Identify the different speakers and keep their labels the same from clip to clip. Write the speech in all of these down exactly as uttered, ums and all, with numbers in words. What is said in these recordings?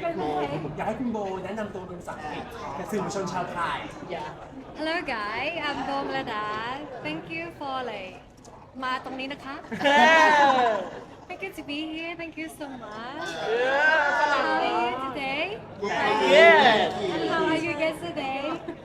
Speaker 1: อยากให้คุณโบแนะนำตัวเป็นภาษาอังกฤษกับสื่อมวลชนชาวไทย
Speaker 2: Hello guys I'm Bomlada thank you for like มาตรงนี้นะคะ Thank you to be here thank you so much How are you today
Speaker 3: Yes.
Speaker 2: and how are you yesterday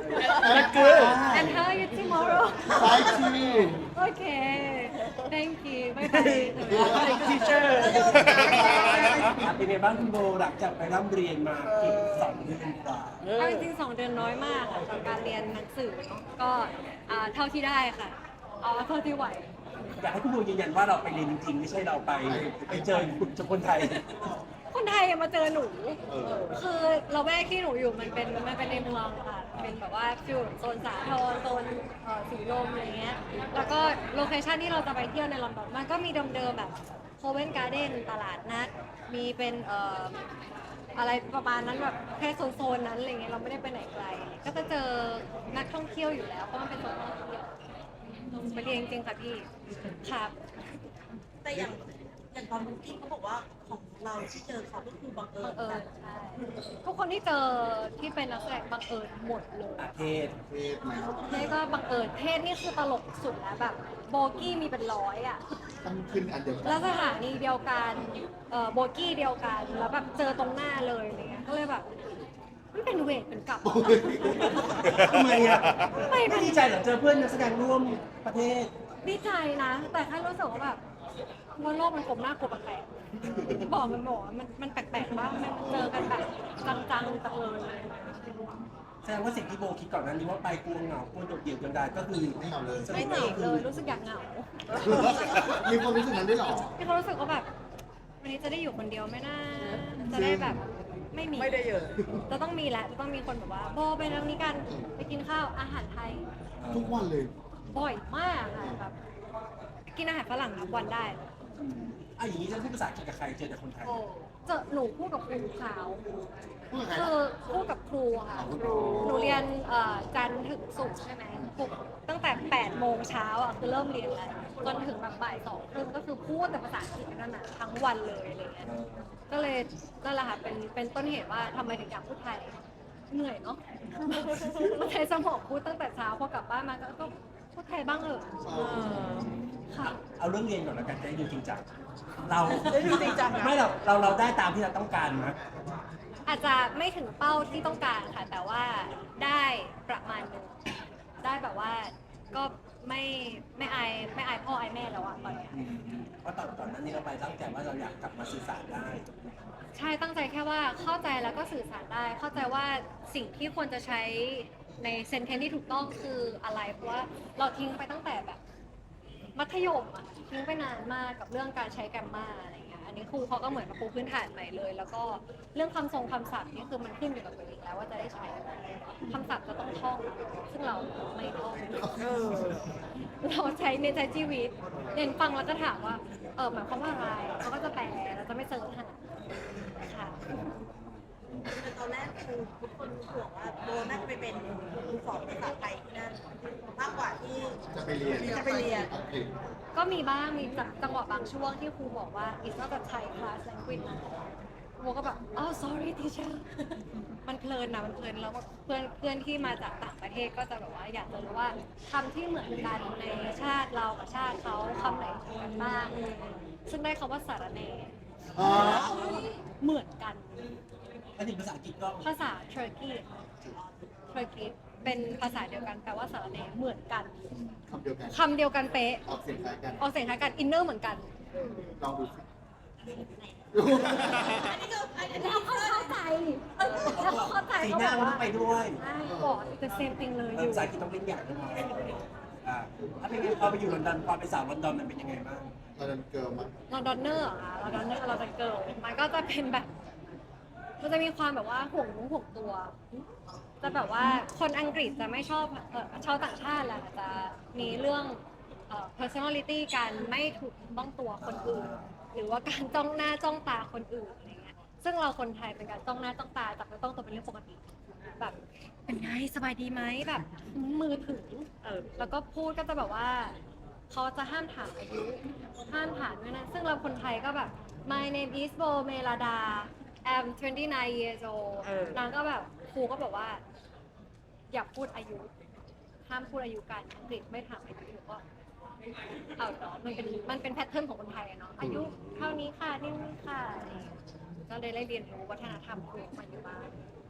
Speaker 3: Not good.
Speaker 2: and how are you tomorrow
Speaker 3: Fighting.
Speaker 2: Okay thank you bye bye
Speaker 3: Like teacher.
Speaker 1: เป็นไงบ้างคุณโบหลังจากไปร่ำเรียนมาเกือบสองเดือนกว่า
Speaker 2: เอาจริงๆสองเดือนน้อยมากค่ะกับการเรียนหนังสือเนาะก็อ่าเท่าที่ได้ค่ะเอาเท่าที่ไหว
Speaker 1: อยากให้คุณโบยืนยันว่าเราไปเรียนจริงๆไม่ใช่เราไปไปเจอคุณเจอคนไทย
Speaker 2: คนไทยมาเจอหนู คือเราแวกที่หนูอยู่มันเป็นมันเป็นในเมืองค่ะ เป็นแบบว่าฟิวโซนสาทรโซนเอ่อสีลมอะไรเงี้ย แล้วก็โลเคชันที่เราจะไปเที่ยวในลอนดอนมันก็มีเดิมๆแบบโคเวนการ์เด้นตลาดนัด มีเป็นเอ่ออะไรประมาณนั้นแบบแค่โซนๆนั้นอะไรเงี้ยเราไม่ได้ไปไหนไกล ก็จะเจอนักท่องเที่ยวอยู่แล้วเพราะมันเป็นโซนท่องเที่ยวไปเรียนจริงๆค่ะพี่ครับ
Speaker 4: แต่อย่างอย่างตอนบุ๊กิ้งเขาบอกว่าของเราที่เจอเขาก็คือบังเอิ
Speaker 2: บั
Speaker 4: ญ
Speaker 2: งเอิญใช่ทุกคนที่เจอที่เป็นนักแสดงบังเอิญหมดเลย
Speaker 1: อาเทศ
Speaker 2: เทศก็บังเอิญเทศนี่คือตลกสุดแล้วแบบโบกี้มีเป็นร้อยอ่ะ
Speaker 3: ต้องขึ้นอันเดียวกั
Speaker 2: แล้ว
Speaker 3: น
Speaker 2: สถานีเดียวกันเอ่อโบกี้เดียวกันแล้วแบบเจอตรงหน้าเลยอะไรเงี้ยก็เลยแบบมันเป็นเวทเป็นกลับ
Speaker 1: ทำไมอ่ะ
Speaker 2: ไม่
Speaker 1: ไม่
Speaker 2: เป็น
Speaker 1: ดีใจเหรอเจอเพื่อนนักแสดงร่วมประเทศ
Speaker 2: ดีใจนะ แต่แค่รู้สึกว่าแบบว่าโลกมันกลมหน้ากลมแปลกๆบอกมันบอกว่ามันมันแปลกๆมากมันเจอกันแบบจังๆจังเลย
Speaker 1: แสดงว่าสิ่งที่โบคิดก่อนหนั้นนี้ว่าไปกลัวเหงากลัวโดดเดี่ยวกันได้ก็คือ
Speaker 3: ไม่เอาเลย
Speaker 2: ไม่เหงาเลยรู้สึกอยากเหงา
Speaker 3: มีความรู้สึกนั้นได้วยเหรอ
Speaker 2: พี่เขารู้สึกว่าแบบวันนี้จะได้อยู่คนเดียวไหมนะจะได้แบบไม่มีไม่ได้เยอะจะต้องมีแหละจะต้องมีคนแบบว่าโบไปทางนี้กันไปกินข้าวอาหารไทย
Speaker 3: ทุกวันเลย
Speaker 2: บ่อยมากค่ะแบบกินอาหารฝรั่งนับวันได้
Speaker 1: อ่ะอย่างนี้จะพูดภาษาอังกฤษกับใครเจอแต่คนไทย
Speaker 2: เจอหนูพูดกับครูขาว
Speaker 3: พูดกับใคร
Speaker 2: คือพูดกับครูค่ะหนูเรียนเอ่อจันทร์ถึงศุกร์ใช่ไหมปลุกตั้งแต่แปดโมงเช้าอ่ะคือเริ่มเรียนแล้วจนถึงแบบบ่ายสองครึ่งก็คือพูดแต่ภาษาอังกฤษนั่นน่ะทั้งวันเลยอะไรเงี้ย ก็เลยนั่นแหละค่ะเป็นเป็นต้นเหตุว่าทำไมถึงอยากพูดไทยเหนื่อยเนาะ ใช้สมองพูดตั้งแต่เช้าพอกลับบ้านมาก็ก็พูดไทยบ้างเออะค่ะ
Speaker 1: เอาเรื่องเรียนก่อนแล้วกันจะได้ดูจริงจังเรา
Speaker 4: ได้ดูจริงจังนะ
Speaker 1: ไม่เราเราเราได้ตามที่เราต้องการมั้ย
Speaker 2: อาจจะไม่ถึงเป้าที่ต้องการค่ะ แต่ว่าได้ประมาณหนึงได้แบบว่าก็ไม่ไม่อายไม่อายพ่ออายแม่แล้วอะตอนเนี้ย
Speaker 1: เพราะตอนตอนนั้นนี่เราไปตั้งใจว่าเราอยากกลับมาสื่อสารได้
Speaker 2: ใช่ตั้งใจแค่ว่าเข้าใจแล้วก็สื่อสารได้ เข้าใจว่าสิ่งที่ควรจะใช้ในเซนเทนที่ถูกต้องคืออะไรเพราะว่าเราทิ้งไปตั้งแต่แบบมัธยมอะทิ้งไปนานมากกับเรื่องการใช้แกรมมาอะไรเงี้ยอันนี้ครูเขาก็เหมือนมาปูพื้นฐานใหม่เลย แล้วก็เรื่องคำทรงคำศัพท์นี่คือมันขึ้นอยู่กับตัวเองแล้วว่าจะได้ใช้ไหมคำศัพท์จะต้องท่องซึ่งเราไม่ท่องเราใช้ในใช้ชีวิตเรียนฟังแล้วก็ถามว่าเออหมายความว่าอะไรเขาก็จะแปลเราจะไม่เซิร์ชหาค่ะ
Speaker 4: แต่ตอนแรกคือทุกคนห่วงว่าโบน่าจะไปเป็นครูสอนภาษาไทยที่นั่นมากกว่าที่
Speaker 3: จะไปเรียน
Speaker 4: จะไปเรียน
Speaker 3: อังกฤษ
Speaker 2: ก็มีบ้างมีจังหวะบางช่วงที่ครูบอกว่า it's not a Thai class language นะโมก็แบบอ๋อ sorry teacher มันเพลินนะมันเพลินแล้วเพื่อนเพื่อนที่มาจากต่างประเทศก็จะแบบว่าอยากจะรู้ว่าคำที่เหมือนกันในชาติเรากับชาติเขาคำไหนเหมือนกันบ้างซึ่งได้คำว่าสารเน
Speaker 3: อ๋อ
Speaker 2: เหมือนกัน
Speaker 1: ถ้าถึงภาษาอังกฤษก็
Speaker 2: ภาษา Turkey Turkey เป็นภาษาเดียวกันแปลว่าสารเนเหมือนกัน
Speaker 3: คำเดียวกัน
Speaker 2: คำเดียวกันเป๊ะ
Speaker 3: ออกเสียงคล้ายกัน
Speaker 2: ออกเสียงคล้ายกันอินเนอร์เหมือนกัน
Speaker 3: ลองดูสิ
Speaker 4: อันนี้ก็อันนี้
Speaker 2: แล้วเขาเข้าใจแล้วเขาเข้าใจ
Speaker 1: สี
Speaker 2: เขา
Speaker 1: หน้า
Speaker 2: บอก
Speaker 1: มันต้
Speaker 2: ว่า
Speaker 1: องไปด้วย
Speaker 2: ใช่บอก the same thing เลยอ
Speaker 1: เออยู่ ภาษาอังกฤษต้องเล่นอย่างนึงอ่าถ้าเป็นไงพอไปอยู่ลอนดอนความเป็นสาวลอนดอนมันเป็นยังไงบ้าง
Speaker 3: ตอนนั้นเกิร์ลมั้ย
Speaker 2: ลอนดอนเนอร์ค่ะลอนดอนเนอร์เราจะเกิร์ลมันก็จะเป็นแบบ มันจะมีความแบบว่าห่วงนู้ห่วงตัว จะแบบว่าคนอังกฤษจะไม่ชอบเอ่อชาวต่างชาติแหละจะมีเรื่องเอ่อ personality การไม่ถูกต้องตัวคนอื่น หรือว่าการจ้องหน้าจ้องตาคนอื่นอะไรเงี้ย ซึ่งเราคนไทยเป็นการจ้องหน้าจ้องตาจับไม่ต้องตัวเป็นเรื่องปกติ แบบเป็นไงสบายดีไหมแบบมือถือเออแล้วก็พูดก็จะแบบว่าเขาจะห้ามถามอายุห้ามถามด้วยนะซึ่งเราคนไทยก็แบบ my name is Bo Melada I'm twenty-nine years old
Speaker 5: เออ
Speaker 2: นางก็แบบครูก็บอกว่า อย่าพูดอายุ ห้ามพูดอายุกันอังกฤษไม่ถามอายุหนูก็เอาเนาะมันเป็นมันเป็นแพทเทิร์นของคนไทยอะเนาะอายุเท่านี้ค่ะนี่นี่ค่ะอะไรอย่างเงี้ยก็เลยได้เรียนรู้วัฒนธรรมครูมาอยู่บ้าง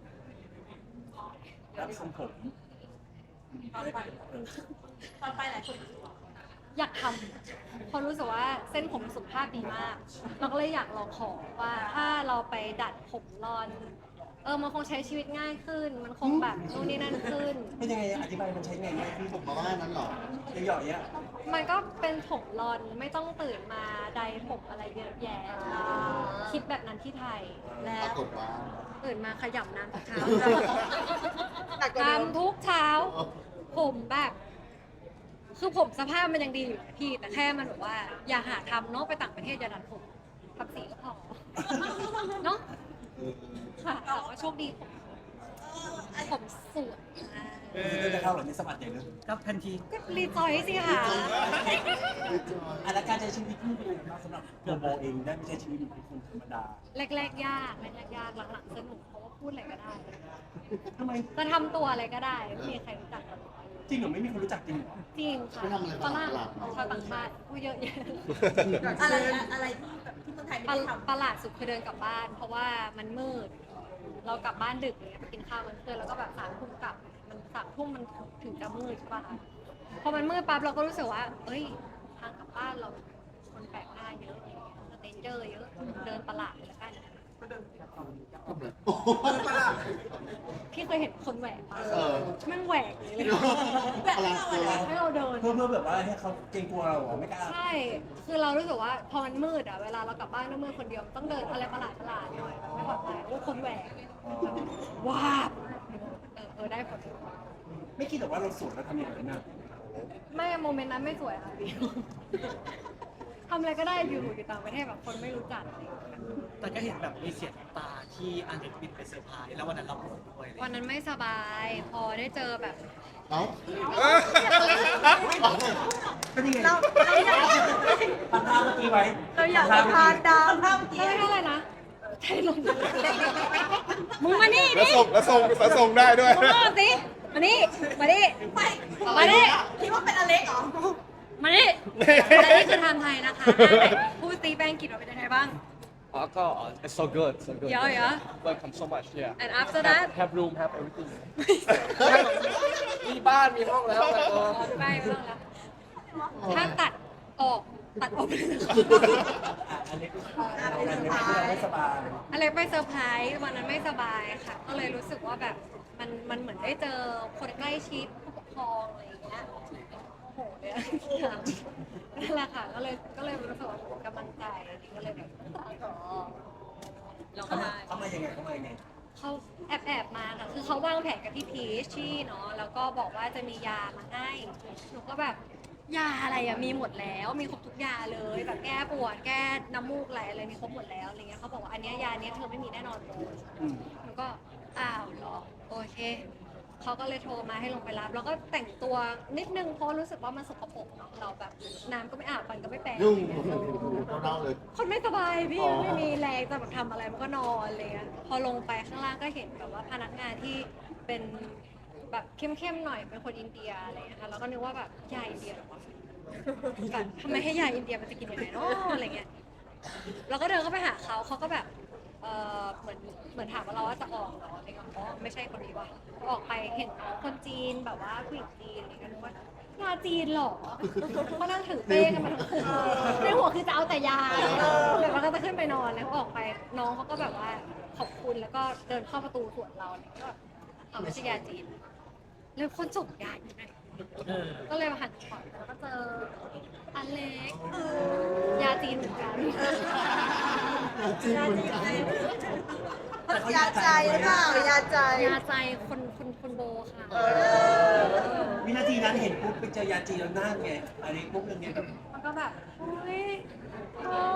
Speaker 1: รับทรงผม
Speaker 4: ตอนไปตอนไปหลายคน
Speaker 2: อยากทำเพราะรู้สึกว่าเส้นผมสุขภาพดีมาก เราก็เลยอยากลองของว่าถ้าเราไปดัดผมรอน เออมันคงใช้ชีวิตง่ายขึ้น มันคงแบบนู่นนี่นั่นขึ้น
Speaker 1: เป็นยังไงอธิบายมันใช้ไงไหมพี่
Speaker 3: ผมมาว่านั้นเหรอ
Speaker 1: หย่อยๆอ่ะ
Speaker 2: มันก็เป็นผมรอนไม่ต้องตื่นมาใดผมอะไรเยอะแยะคิดแบบนั้นที่ไทยแล้
Speaker 3: ปราว กฏว่า
Speaker 2: ตื่นมาขยำน้ำทุกเช้า
Speaker 5: หนักกว่าเดิม
Speaker 2: ทำทุกเช้า ผมแบบ คือผมสภาพมันยังดีอยู่นะพี่ แต่แค่มันแบบว่า อย่าหาทำเนาะไปต่างประเทศอย่าดัดผมทำสีก็พอ เนาะ
Speaker 3: เออ
Speaker 2: ค่ะแต่ว่าโชคดีผมผมสวยมาก
Speaker 1: คือจะเข้าหรือไม่สมัครอย่างนึง
Speaker 6: ก็ทันที
Speaker 2: ก็รีจอยสิค่ะ
Speaker 3: ไม่จอย
Speaker 1: อ่ะแล้วการใช้ชีวิตคู่เป็นยังไงบ้างสำหรับตัวโบเองได้ไม่ใช่ชีวิตเป็นคนธรรมดา
Speaker 2: แรกๆยากแรกๆยากหลังๆสนุกเพราะว่าพูดอะไรก็ได้
Speaker 1: ทำไม
Speaker 2: จะทำตัวอะไรก็ได้ไม่มีใครรู้จักกัน
Speaker 1: จริงเหรอไม่มีคนรู้จักจริงเหรอ
Speaker 2: จริงค่ะ
Speaker 3: ไม่ทำอะไร
Speaker 2: ฝรั่ง
Speaker 3: ประหลาดๆ
Speaker 2: ชาวต่างชาติพูดเยอะแยะ
Speaker 4: อะไรอะไรที่แบบที่เมืองไทยไม่
Speaker 2: ประ
Speaker 4: ได้ทำ
Speaker 2: ประหลาดสุดคือเดินกลับบ้าน เพราะว่ามันมืด เรากลับบ้านดึกอย่างเงี้ยไปกินข้าวมันเพื่อนแล้วก็แบบสามทุ่มกลับ มันสามทุ่มมันถึงจะมืดใช่ป่ะคะพอมันมืดปั๊บเราก็รู้สึกว่า เอ้ยทางกลับบ้านเราคนแปลกหน้าเยอะอย่างเงี้ยสเตนเจอร์เยอะเดินประหลาดเลยละกัน
Speaker 3: ทำเลยโอ้โห
Speaker 2: พี่เคยเห็นคนแหวกปะ
Speaker 3: เออ
Speaker 2: แม่งแหวกอย่างนี้เลย
Speaker 3: พลังเกิน
Speaker 2: ให้เราเดิน
Speaker 1: เพื่อเพื่อแบบว่าให้เขาเกรงกลัวเราเหรอไม่กล้า
Speaker 2: ใช่ คือเรารู้สึกว่าพอมันมืดอ่ะ เวลาเรากลับบ้านด้วยมืดคนเดียวต้องเดินอะไรประหลาดประหลาดๆหน่อยมันไม่ปลอดภัยโอ้คนแหวกว้าบเออเออได้ผล
Speaker 1: ไม่คิดหรอกว่าเราสวยแล้วทำอย่างนั้นนะ
Speaker 2: ไม่โมเมนต์นั้นไม่สวยค่ะพี่ ทำอะไรก็ได้อยู่อยู่ต่างประเทศแบบคนไม่รู้จักอะไรอย่างเงี้ย
Speaker 6: แต่ก็เห็นแบบมีเสียงน้ำตาที่อังกฤษบินไปเซอร์ไพรส์แล้ววันนั้นเราปวดด้วยอะไร
Speaker 2: วันนั้นไม่สบาย พอได้เจอแบบ
Speaker 3: เอ้า
Speaker 1: เป็นยังไง
Speaker 5: เราเราอยาก
Speaker 1: ปัดภาพเมื่อกี้ไว้
Speaker 5: เราอยากไปทานดาวภาพ
Speaker 2: เฮ้ยเท่าไหร่นะไทยลงมึงมานี่
Speaker 7: แล้ว
Speaker 2: ดิ
Speaker 7: ส่งแล้วส่งแล้วส่งได้ด้วย
Speaker 2: มึงมาสิมานี่มานี่
Speaker 4: ไป
Speaker 2: มานี่
Speaker 4: คิดว่าเป็นอเล็กเหรอ
Speaker 2: มานี่และนี่คือไทม์ไทยนะคะพูดตีแป้งกินเราเป็นยังไงบ้าง
Speaker 7: Oh, God, it's so good, so good.
Speaker 2: Yeah, yeah.
Speaker 7: Welcome so much, yeah.
Speaker 2: and after that
Speaker 7: Have, have room, have everything. มีบ้าน มีห้องแล้วแต่ก็
Speaker 2: ไม่ไม่ต้องแล้วถ้าตัดออกตัดออกไปเลย
Speaker 1: อ่ะอันนี้เราอันนี้เราไม่สบาย
Speaker 2: อะไรไปเซอร์ไพรส์วันนั้นไม่สบายค่ะ ก็เลยรู้สึกว่าแบบมันมันเหมือนได้เจอคนใกล้ชิดผู้ปกครองอะไรอย่างเงี้ยโอ้โหเลยอะนั่นแหละค่ะก็เลยก็เลยรู้สึกว่ากำลังใจก็เลยแบบอ๋อเราก็
Speaker 1: เขามา
Speaker 2: ได้
Speaker 1: เขามายังไงเขามายังไง
Speaker 2: เขาแอบแอบมาค่ะ คือเขาวางแผนกับพี่พีชชี่เนาะ แล้วก็บอกว่าจะมียามาให้ หนูก็แบบ ยาอะไรอะมีหมดแล้ว มีครบทุกยาเลย แบบแก้ปวด แก้น้ำมูกไหลอะไรมีครบหมดแล้วอะไรเงี้ยเขาบอกว่าอันเนี้ยยาเนี้ยเธอไม่มีแน่นอนเลย
Speaker 1: อืม
Speaker 2: หนูก็ อ้าวเหรอ โอเค เขาก็เลยโทรมาให้ลงไปรับ แล้วก็แต่งตัวนิดนึงเพราะรู้สึกว่ามันสกปรกเนาะ เราแบบน้ำก็ไม่อาบฟันก็ไม่แปรง
Speaker 3: ยุ่งเน่าๆเลย
Speaker 2: คนไม่สบายพี่
Speaker 3: อ๋อ
Speaker 2: ไม่มีแรงจะแบบทำอะไรมันก็นอนอะไรเลยพอลงไปข้างล่างก็เห็นแบบว่าพนักงานที่เป็นแบบเข้มๆหน่อยเป็นคนอินเดียอะไรอย่างเงี้ยค่ะแล้วก็นึกว่าแบบยาอินเดียเหรอวะแบบทำไมให้ยาอินเดียมันจะกินยังไงเนาะอะไรเงี้ยเราก็เดินเข้าไปหาเขาเขาก็แบบเออเหมือนเหมือนถามว่าเราว่าจะออกเหรออะไรเงี้ยอ๋อไม่ใช่คนนี้ว่ะออกไปเห็นน้องคนจีนแบบว่าผู้หญิงจีนอะไรเงี้ยนึกว่ายาจีนเหรอก็นั่งถือเป้กันมาทั้งคืนในหัวคือจะเอาแต่ยาแล้วเราก็จะขึ้นไปนอนแล้วออกไปน้องเขาก็แบบว่าขอบคุณแล้วก็เดินเข้าประตูสวนเราเนี่ยก็เอาไม่ใช่ยาจีนแล้วคนส่งยาอยู่ไหน
Speaker 6: เออ
Speaker 2: ก็เลยมาหันขวาแล้วก็เจออันเล็กยาจีนเหมือนกัน
Speaker 3: จริงเหมือนกัน
Speaker 5: ยาใจหรือเปล่ายาใจ
Speaker 2: ยาใจคนคนคนโบค่ะ
Speaker 1: วินาทีนั้นเห็นปุ๊บไปเจอยาจีนแล้วหน้าไงอันนี้ปุ๊บเป็นไงแบบ
Speaker 2: มันก็แบบอุ้ยโอ้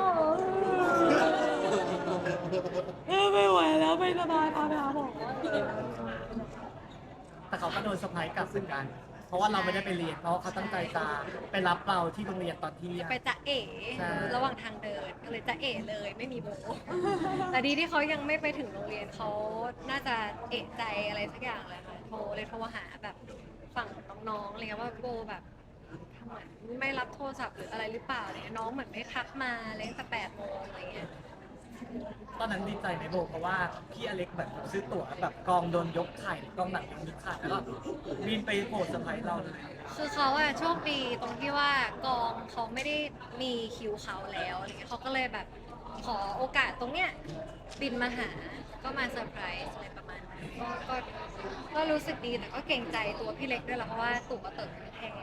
Speaker 2: เออไม่ไหวแล้วไม่สบายพาไปหาหมอ
Speaker 6: แต่เขาก็โดนเซอร์ไพรส์กลับเหมือนกันเพราะว่าเราไม่ได้ไปเรียนเพราะว่าเขาตั้งใจจะไปรับเราที่โรงเรียนตอนเที่ยง
Speaker 2: ไปจะเอ๋
Speaker 6: ใช่
Speaker 2: ระหว่างทางเดินก็เลยจะเอ๋เลยไม่มีโบ แต่ดีที่เขายังไม่ไปถึงโรงเรียนเขาน่าจะเอะใจอะไรสักอย่างเลยค่ะโทรเลยโทรหาแบบฝั่งน้องๆอะไรเงี้ยว่าโบแบบทำไมไม่รับโทรศัพท์หรืออะไรหรือเปล่าอะไรเนี่ยน้องเหมือนไม่ทักมาเลยตั้งแต่แปดโมงอะไรเงี้ย
Speaker 6: ตอนนั้นดีใจไหมโบเพราะว่าพี่อเล็กแบบซื้อตั๋วแบบกองโดนยกไข่กองหนังโดนยกไข่แล้วก็บินไปโผล่เซอร์ไพรส์เราเลย
Speaker 2: คือเขาอะโชคดีตรงที่ว่ากองเขาไม่ได้มีคิวเขาแล้วอะไรเงี้ยเขาก็เลยแบบขอโอกาสตรงเนี้ยบินมาหาก็มาเซอร์ไพรส์อะไรประมาณนั้นก็ก็ก็รู้สึกดีแต่ก็เกรงใจตัวพี่เล็กด้วยแหละเพราะว่าตั๋วเติมแพง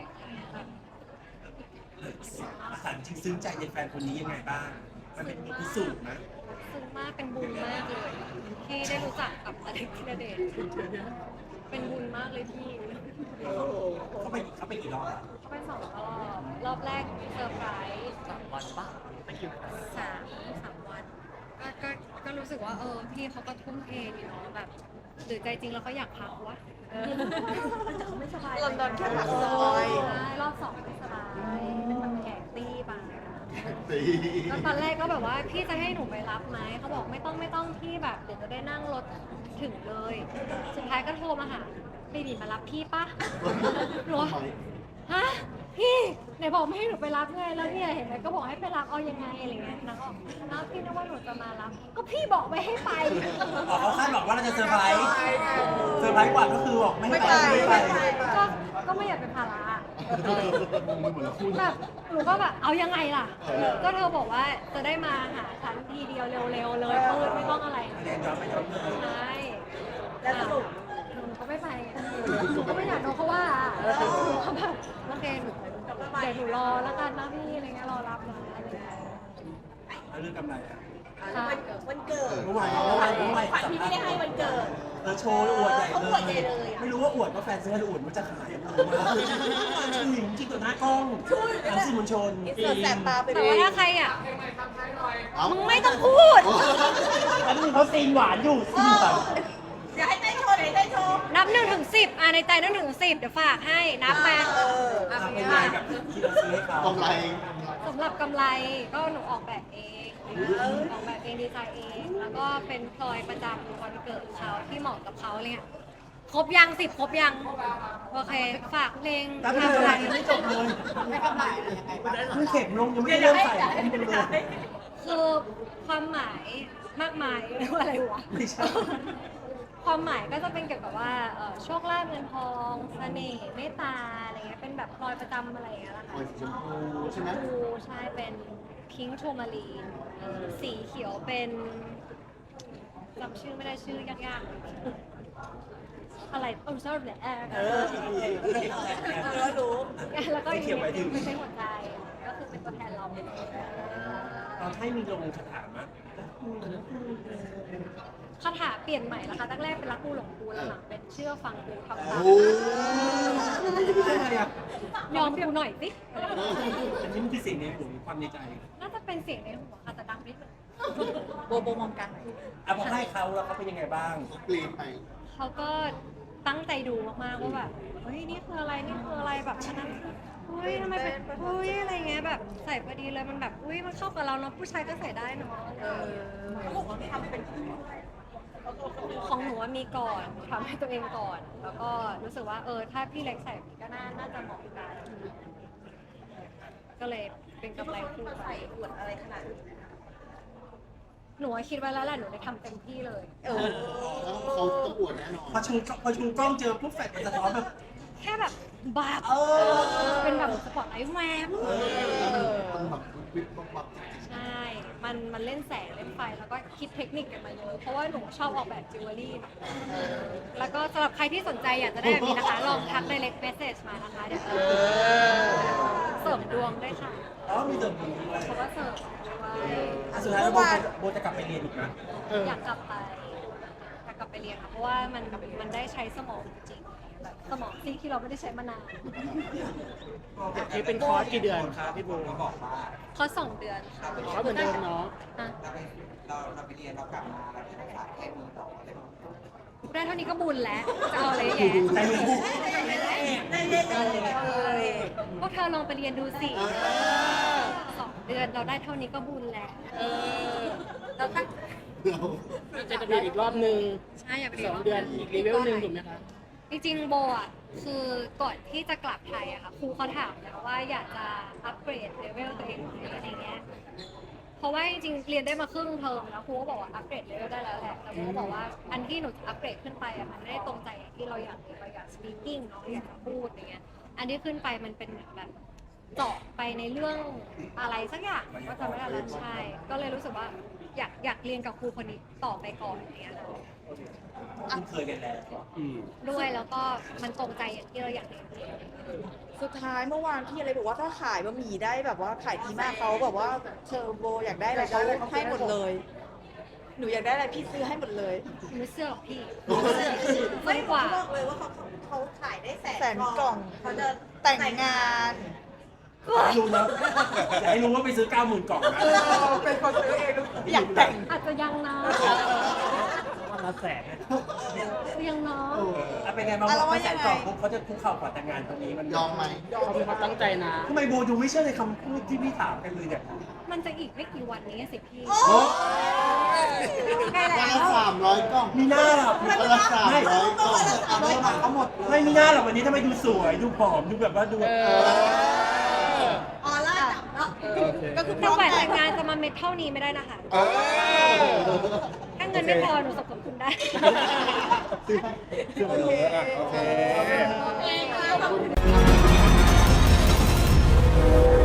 Speaker 1: อาหารจริงซึ้งใจในแฟนคนนี้ยังไงบ้าง มันเป็นบทพิสูจน์นะ
Speaker 2: ซึ้งมากเป็นบุญมากเลยที่ได้รู้จักกับอเล็กธีรเดชเป็นบุญมากเลยพี่
Speaker 1: เขาไปเขาไปกี่รอบอะ
Speaker 2: เขาไปสองรอบรอบแรกเซอร์ไพรส์
Speaker 6: สามวันปะไม่กี่วัน
Speaker 2: สามสามวันก็ก็ก็รู้สึกว่าเออพี่เขาก็ทุ่มเทอยู่เนาะแบบหรือใจจริงแล้วเขาอยากพักวะ
Speaker 4: ไม่สบาย
Speaker 5: ลอนดอนแค่ปากซอย
Speaker 2: ใช่รอบสองไม่สบายเป็นแบบแขกตี้ไป
Speaker 3: ตี
Speaker 2: แล้วตอนแรกก็แบบว่าพี่จะให้หนูไปรับไหมเขาบอกไม่ต้องไม่ต้องพี่แบบเดี๋ยวจะได้นั่งรถถึงเลย สุดท้ายก็โทรมาหาบีบีมารับพี่ปะหนูว่าฮะพี่ไหนบอกไม่ให้หนูไปรับไงแล้วเนี่ยเห็นไหมก็บอกให้ไปรับเอายังไงอะไรเงี้ยนางก็บอกน้าพี่นึกว่าหนูจะมารับ ก็พี่บอกไม่ให้ไป
Speaker 1: อ๋อเขาคาดหวังว่าเราจะเซอร์ไพรส์เซอร์ไพรส์กว่าก็คือบอกไม่ให้ไปไม่ไป
Speaker 2: ก็ก็ไม่อยากเป็นภาระ
Speaker 3: มันเหมือนคู่
Speaker 2: แบบหนูก็แบบเอายังไงล่ะ ก็เธอบอกว่าจะได้มาหาฉันทีเดียวเร็วๆเลยปืนไม่ต้องอะไร
Speaker 1: เรียนย้อนไม่ย้อนเลย
Speaker 2: ใช่
Speaker 4: แล้วสรุป
Speaker 2: หนูก็ไม่ไปไงหนูก็ไม่อยากโดนเขาว่าหนูก็แบบโอเคหนูเดี๋ยวหนูรอแล้วกันนะพี่อะไรเงี้ยรอรับนะอะไรเงี้ย
Speaker 1: แล้วเรื่องกำไรอะ
Speaker 4: วันวันเกิด
Speaker 1: เมื่อวานเมื่อวานเมื่อวาน
Speaker 4: ขวัญที่ไม่ได้ให้วันเกิด
Speaker 1: เออโชว์อวดใหญ่
Speaker 4: เขา
Speaker 1: เล
Speaker 4: อวดใหญ่เลย
Speaker 1: ย
Speaker 4: อะ
Speaker 1: ไม่รู้ว่าอวดว่าแฟนซื้อให้หรืออวดว่าจะขายอะผมว่าชูหญิงจริงต่อหน้ากล้องทางสื่อมวลชน
Speaker 5: อินเสิร์ตแสบตาไป
Speaker 2: แต่
Speaker 5: เล
Speaker 2: ว่าย ถ้าใครอ่ะ
Speaker 3: เอ้า
Speaker 2: มึงไม่ต้องพูด
Speaker 1: อันนี้เขาซีนหวานอยู่ซีนหวาน
Speaker 4: อย่าให้เต้นโชว์ไหนเต้นโชว์
Speaker 2: นับหนึ่งถึงสิบอ่ะในใจนับหนึ่งถึงสิบเดี๋ยวฝากให้นับมา
Speaker 4: เออ
Speaker 2: อ่ะ
Speaker 1: ทำ
Speaker 2: เป็
Speaker 1: เป็น น
Speaker 2: ไง
Speaker 1: ไงกับที่เราซื้อให้เขา
Speaker 3: กำไร
Speaker 2: สำหรับกำไรก็หนูออกแบบเองออกแบบเองดีไซน์เอง แล้วก็เป็นพลอยประจำวันเกิดเขาที่เหมาะกับเขาอะไรเงี้ยครบยังสิบครบยังโอเคฝากเพลง
Speaker 1: แล้ว
Speaker 2: ทำ
Speaker 1: ทำ
Speaker 2: อะ
Speaker 1: อะไร
Speaker 2: ไร
Speaker 1: ยังไม่จบเลย
Speaker 4: ให้กำไรอะไรยังไงบ้าง
Speaker 1: มึงเข็มลงยังไม่ได้เริ่มใส่ยังไม่เลย
Speaker 2: คือความหมายมากมายเรียกว่าอะไรวะ
Speaker 1: ไม่ใช่
Speaker 2: ความหมายก็จะเป็นเกี่ยวกับว่าเอ่อโชคลาภเงินทองเสน่ห์เมตตาอะไรเงี้ยเป็นแบบพลอยประจำอะไรอย่างเงี้ยแหละ
Speaker 3: ปล่
Speaker 2: ค่ะ
Speaker 3: อยสีชมพูใช่ไหม
Speaker 2: ชมพูใช่เป็นพิงค์โทมารีนสีเขียวเป็นจำชื่อไม่ได้ชื่อยากๆอะไรโอ้ชอบเนี่ยแอร์
Speaker 4: เออเออรู้
Speaker 2: แล้วก็อีกนิดนึงไม่ใช่หัวใจก็คือเป็นตัวแทนเรา
Speaker 1: ตอนให้มีลงคาถามะ
Speaker 2: คาถาเปลี่ยนใหม่นะคะตั้งแรกเป็นรักกูหลงกูหลังๆเป็นเชื่อฟังกูทำตาม
Speaker 3: โอ้
Speaker 1: อะไรอะ
Speaker 2: ยอมกูหน่อยสิ
Speaker 1: อันนี้มันคือสิ่งในหัวความในใจ
Speaker 2: น่าจะเป็นเสียงในหัวค่ะแต่ดังนิดนึง
Speaker 4: โบโบมองกัน
Speaker 1: อ่ะพอให้เขาแล้วเขาเป็นยังไงบ้าง
Speaker 3: เขาเปลี่ยนไป
Speaker 2: เขาก็ตั้งใจดูมากๆว่าแบบเฮ้ยนี่คืออะไรนี่คืออะไรแบบอันนั้นเฮ้ยทำไมเป็นเฮ้ยอะไรเงี้ยแบบใส่พอดีเลยมันแบบอุ้ยมันเข้ากับเราเนาะผู้ชายก็ใส่ได้เนาะ
Speaker 4: เออเขาบอกว่าทำเป็น
Speaker 2: ของหนูว่ามีก่อนทำให้ตัวเองก่อน แล้วก็รู้สึกว่าเออถ้าพี่เล็กใส่ก็น่าน่าจะเหมาะกันก็เลยเป็นกำไรคู่ไป
Speaker 4: อวดอะไรขนาดนี้
Speaker 2: หนูว่าคิดไว้แล้วแหละหนูได้ทำเต็มที่เลย
Speaker 4: เออ
Speaker 3: แล้วเขาต้องอวดแน่นอน
Speaker 1: พอชูพอชูกล้องเจอปุ๊บแฟนมันสะท้อนแบบ
Speaker 2: แค่แบบบาบ
Speaker 1: เออ
Speaker 2: เป็นแบบสปอตไลท์แวบ
Speaker 3: มันแบบวิบวับวับ
Speaker 2: ใช่ มัน มันเล่นแสง เล่นไฟ แล้วก็คิดเทคนิคกันมาเยอะ เพราะว่าหนูชอบออกแบบจิวเวลรี่ แล้วก็สำหรับใครที่สนใจอยากจะได้แบบนี้นะคะ ลองทัก direct message มานะคะ เดี๋ยวเออเสริมดวงด้วยค่ะ
Speaker 1: อ๋อมีเติมบุญด้วย
Speaker 2: เพราะว่าเสริมด้วย
Speaker 1: อ่ะสุดท้ายแล้วโบจะโบจะกลับไปเรียนอีกนะ
Speaker 2: อยากกลับไป อยากกลับไปเรียนค่ะ เพราะว่ามัน มันได้ใช้สมองจริงๆแบบสมองซีกที่เราไม่ได้ใช้มานาน
Speaker 7: นี่เป็นคอร์สกี่เดือนครับพี่บู
Speaker 2: คอร์สสองเดือนค่ะ
Speaker 7: คอร์สเหมือนเดิมเนาะ
Speaker 2: อ่ะ
Speaker 8: เราไปเราเราไปเรียนเรากลับมาเราได้ภาษาแค่นี้ต่ออะไรแบบนี้
Speaker 2: ได้เท่านี้ก็บุญแล้ว จะเอาอะไรแย่
Speaker 1: ใจมึง
Speaker 4: ได้ได้ได้ได้
Speaker 2: พวกเธอลองไปเรียนดูสิสองเดือนเราได้เท่านี้ก็บุญแล้ว
Speaker 4: เราตั้ง
Speaker 7: น่าจะจะมีอีกรอบนึง
Speaker 2: ใช่อย่าไป
Speaker 7: สองเดือนอีกเลเวลหนึ่งถูกไหมคะ
Speaker 2: จริงๆโบอ่ะคือก่อนที่จะกลับไทยอะค่ะครูเขาถามแล้วว่าอยากจะอัปเกรดเลเวลตัวเองไหมอะไรเงี้ยเพราะว่าจริงๆเรียนได้มาครึ่งเทอมแล้วครูก็บอกว่าอัปเกรดเลเวลได้แล้วแหละแต่โบก็บอกว่าอันที่หนูอัปเกรดขึ้นไปอะมันไม่ได้ตรงใจอย่างที่เราอยากเราอยาก speaking เนาะอยากจะพูดอย่างเงี้ยอันที่ขึ้นไปมันเป็นเหมือนแบบเจาะไปในเรื่องอะไรสักอย่างก็จำไม่ได้แล้วใช่ก็เลยรู้สึกว่าอยากอยากเรียนกับครูคนนี้ต่อไปก่อนอย่างเงี้ย
Speaker 1: คุ้นเคยกันแล้ว
Speaker 7: อืม
Speaker 2: ด้วยแล้วก็มันตรงใจอย่างที่เราอยากเรียน
Speaker 5: สุดท้ายเมื่อวานพี่อะไรบอกว่าถ้าขายบะหมี่ได้แบบว่าขายดีมากเขาแบบว่าเทอร์โบอยากได้อะไรเขาให้หมดเลย หนูอยากได้อะไรพี่ซื้อให้หมดเลย
Speaker 2: ไม่เสื้อหรอกพี่
Speaker 4: ไม่
Speaker 2: ไม่
Speaker 4: ก
Speaker 2: ก
Speaker 4: ว่า
Speaker 2: ว่า
Speaker 4: บอกเลยว่าเขาเขาขายได้แสน
Speaker 5: แสนกล่อง
Speaker 4: เขาจะ
Speaker 5: แต่งงาน
Speaker 1: ไม่รู้นะอยากให้รู้ว่าไปซื้อเก้าหมื่นกล่องนะ
Speaker 5: เป็นคนซื้อเองอยากแต่ง
Speaker 2: อาจจะยังนะ
Speaker 6: วันละแสนเนี่ย
Speaker 2: ยังเนาะ
Speaker 1: อ่ะเป็นไงบ้าง
Speaker 5: อ่ะแล้ว
Speaker 1: พอ
Speaker 5: ว่า
Speaker 1: แส
Speaker 5: ยั
Speaker 1: น
Speaker 5: งไง
Speaker 1: กล่องปุ๊บเขาจะคุกเข่าขอแต่งงานตรงนี้มัน
Speaker 3: ยอมไหม
Speaker 7: เขาเป็นความตั้งใจนะ
Speaker 1: ทำไมโบดูไม่เชื่อในคำพูดที่พี่ถามกันเลยเนี่ย
Speaker 2: มันจะอีกไม่กี่วันนี้สิพี่
Speaker 3: โอ้วันละสามร้อยกล่อง
Speaker 1: มีหน้าหรอ
Speaker 3: วันละสามร้อยกล่อง
Speaker 1: เอาไม่มาเขาหมดไม่มีหน้าหรอกวันนี้ทำไมดูสวยดูผอมดูแบบว่าดู
Speaker 7: เออ
Speaker 4: ออร่าจับเนาะ
Speaker 5: ก็คือพ
Speaker 2: แต่
Speaker 5: ร้อม
Speaker 2: แหวน
Speaker 5: แต่
Speaker 2: แต่
Speaker 5: ง
Speaker 2: งงานจะมาเม็ดเท่านี้ไม่ได้นะคะ
Speaker 3: เออ
Speaker 2: ถ้าเงินไม่พอหนูสมทบทุนได้
Speaker 3: โอเคโอเค
Speaker 4: โอเคค่ะ